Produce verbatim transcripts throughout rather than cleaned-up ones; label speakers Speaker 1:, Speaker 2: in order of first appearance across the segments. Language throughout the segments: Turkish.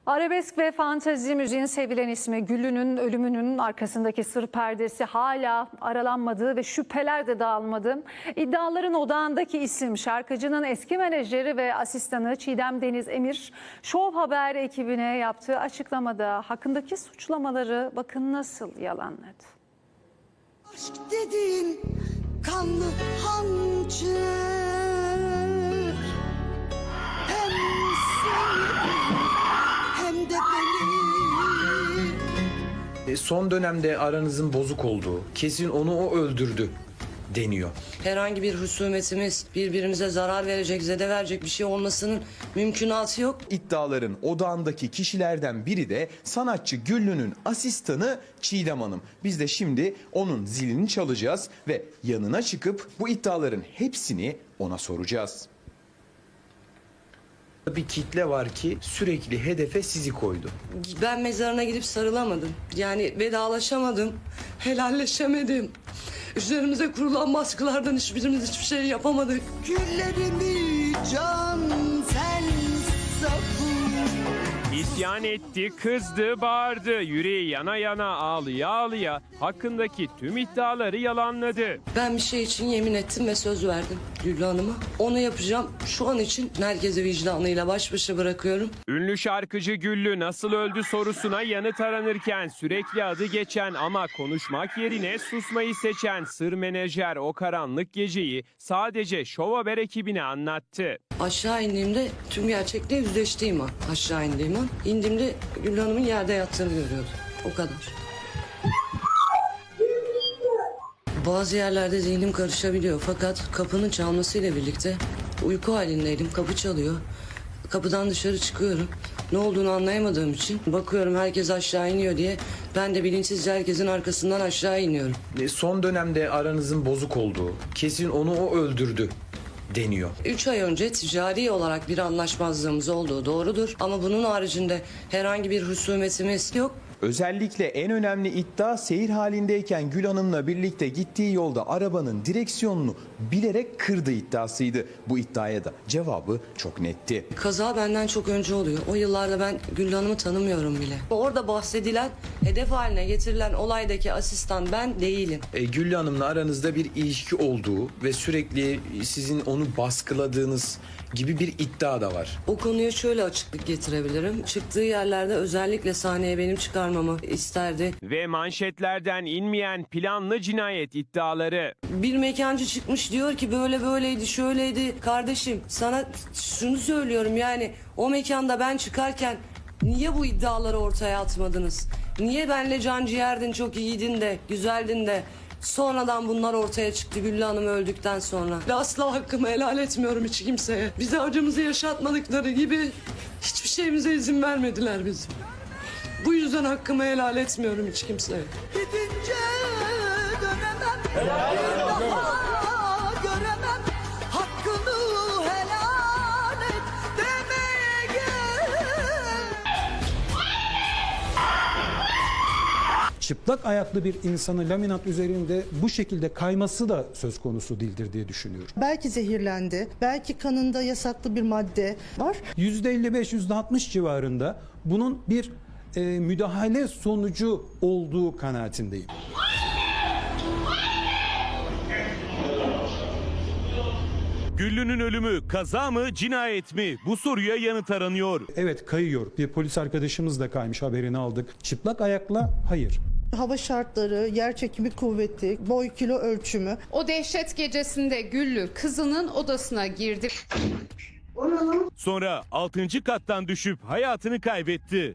Speaker 1: Arabesk ve fantezi müziğin sevilen ismi Güllü'nün ölümünün arkasındaki sır perdesi hala aralanmadı ve şüpheler de dağılmadı. İddiaların odağındaki isim şarkıcının eski menajeri ve asistanı Çiğdem Deniz Emir, Show Haber ekibine yaptığı açıklamada hakkındaki suçlamaları bakın nasıl yalanladı.
Speaker 2: Aşk dediğin kanlı hançer, hem seni hem de beni.
Speaker 3: Son dönemde aranızın bozuk olduğu, kesin onu o öldürdü deniyor.
Speaker 4: Herhangi bir husumetimiz, birbirimize zarar verecek, zede verecek bir şey olmasının mümkünatı yok.
Speaker 5: İddiaların odağındaki kişilerden biri de sanatçı Güllü'nün asistanı Çiğdem Hanım. Biz de şimdi onun zilini çalacağız ve yanına çıkıp bu iddiaların hepsini ona soracağız.
Speaker 3: Bir kitle var ki sürekli hedefe sizi koydu.
Speaker 4: Ben mezarına gidip sarılamadım. Yani vedalaşamadım, helalleşemedim. Üzerimize kurulan baskılardan hiçbirimiz hiçbir şey yapamadık.
Speaker 2: Güllerimi can sen sapın.
Speaker 6: İsyan etti, kızdı, bağırdı. Yüreği yana yana, ağlıya ağlıya hakkındaki tüm iddiaları yalanladı.
Speaker 4: Ben bir şey için yemin ettim ve söz verdim Güllü Hanım'a. Onu yapacağım. Şu an için herkesi vicdanıyla baş başa bırakıyorum.
Speaker 6: Ünlü şarkıcı Güllü nasıl öldü sorusuna yanıt aranırken sürekli adı geçen ama konuşmak yerine susmayı seçen sır menajer o karanlık geceyi sadece Show Haber ekibine anlattı.
Speaker 4: Aşağı indiğimde tüm gerçekle yüzleştiğim an. Aşağı indiğim an. İndiğimde Güllü Hanım'ın yerde yattığını görüyordum. O kadar. Bazı yerlerde zihnim karışabiliyor fakat kapının çalmasıyla birlikte uyku halindeydim. Kapı çalıyor. Kapıdan dışarı çıkıyorum. Ne olduğunu anlayamadığım için bakıyorum herkes aşağı iniyor diye ben de bilinçsizce herkesin arkasından aşağı iniyorum.
Speaker 3: Son dönemde aranızın bozuk olduğu, kesin onu o öldürdü deniyor.
Speaker 4: Üç ay önce ticari olarak bir anlaşmazlığımız olduğu doğrudur ama bunun haricinde herhangi bir husumetimiz yok.
Speaker 5: Özellikle en önemli iddia seyir halindeyken Gül Hanım'la birlikte gittiği yolda arabanın direksiyonunu bilerek kırdı iddiasıydı. Bu iddiaya da cevabı çok netti.
Speaker 4: Kaza benden çok önce oluyor. O yıllarda ben Güllü Hanım'ı tanımıyorum bile. Orada bahsedilen, hedef haline getirilen olaydaki asistan ben değilim.
Speaker 3: E, Güllü Hanım'la aranızda bir ilişki olduğu ve sürekli sizin onu baskıladığınız gibi bir iddia da var.
Speaker 4: O konuya şöyle açıklık getirebilirim. Çıktığı yerlerde özellikle sahneye benim çıkarmamı isterdi.
Speaker 6: Ve manşetlerden inmeyen planlı cinayet iddiaları.
Speaker 4: Bir mekancı çıkmış diyor ki böyle böyleydi, şöyleydi. Kardeşim sana şunu söylüyorum yani o mekanda ben çıkarken niye bu iddiaları ortaya atmadınız? Niye benle can ciğerdin, çok iyiydin de, güzeldin de sonradan bunlar ortaya çıktı Güllü Hanım öldükten sonra. Ve asla hakkımı helal etmiyorum hiç kimseye. Bize acımızı yaşatmadıkları gibi hiçbir şeyimize izin vermediler bizim. Bu yüzden hakkımı helal etmiyorum hiç kimseye.
Speaker 2: Gidince dönemem, bir daha göremem. Hakkını helal et demeye gel.
Speaker 7: Çıplak ayaklı bir insanı laminat üzerinde bu şekilde kayması da söz konusu değildir diye düşünüyorum.
Speaker 8: Belki zehirlendi, belki kanında yasaklı bir madde var.
Speaker 7: yüzde elli beş yüzde altmış civarında bunun bir e, müdahale sonucu olduğu kanaatindeyim.
Speaker 9: Güllü'nün ölümü kaza mı, cinayet mi? Bu soruya yanıt aranıyor.
Speaker 7: Evet, kayıyor. Bir polis arkadaşımız da kaymış, haberini aldık. Çıplak ayakla hayır.
Speaker 8: Hava şartları, yer çekimi kuvveti, boy kilo ölçümü.
Speaker 10: O dehşet gecesinde Güllü kızının odasına girdi.
Speaker 9: Sonra altıncı kattan düşüp hayatını kaybetti.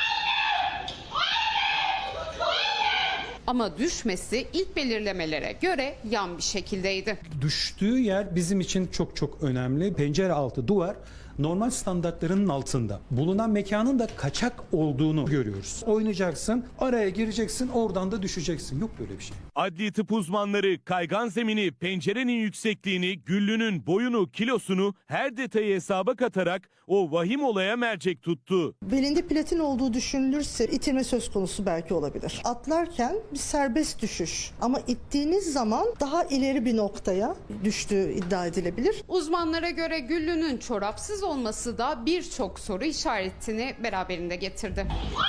Speaker 10: Ama düşmesi ilk belirlemelere göre yan bir şekildeydi.
Speaker 7: Düştüğü yer bizim için çok çok önemli. Pencere altı duvar normal standartlarının altında. Bulunan mekanın da kaçak olduğunu görüyoruz. Oynayacaksın, araya gireceksin, oradan da düşeceksin. Yok böyle bir şey.
Speaker 9: Adli tıp uzmanları kaygan zemini, pencerenin yüksekliğini, Güllü'nün boyunu, kilosunu her detayı hesaba katarak o vahim olaya mercek tuttu.
Speaker 8: Belinde platin olduğu düşünülürse itilme söz konusu belki olabilir. Atlarken bir serbest düşüş ama ittiğiniz zaman daha ileri bir noktaya düştüğü iddia edilebilir.
Speaker 10: Uzmanlara göre Güllü'nün çorapsız olması da birçok soru işaretini beraberinde getirdi.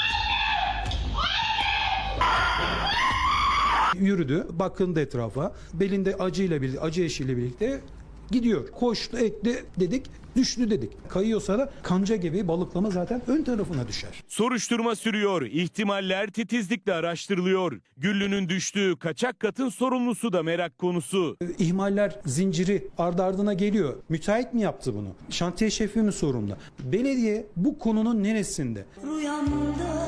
Speaker 7: Yürüdü, bakındı etrafa. Belinde acıyla birlikte, acı eşiğiyle birlikte gidiyor. Koştu, etti dedik, düştü dedik. Kayıyorsa da kanca gibi balıklama zaten ön tarafına düşer.
Speaker 9: Soruşturma sürüyor. İhtimaller titizlikle araştırılıyor. Güllü'nün düştüğü kaçak katın sorumlusu da merak konusu.
Speaker 7: İhmaller zinciri ardı ardına geliyor. Müteahhit mi yaptı bunu? Şantiye şefi mi sorumlu? Belediye bu konunun neresinde?
Speaker 2: Rüyamda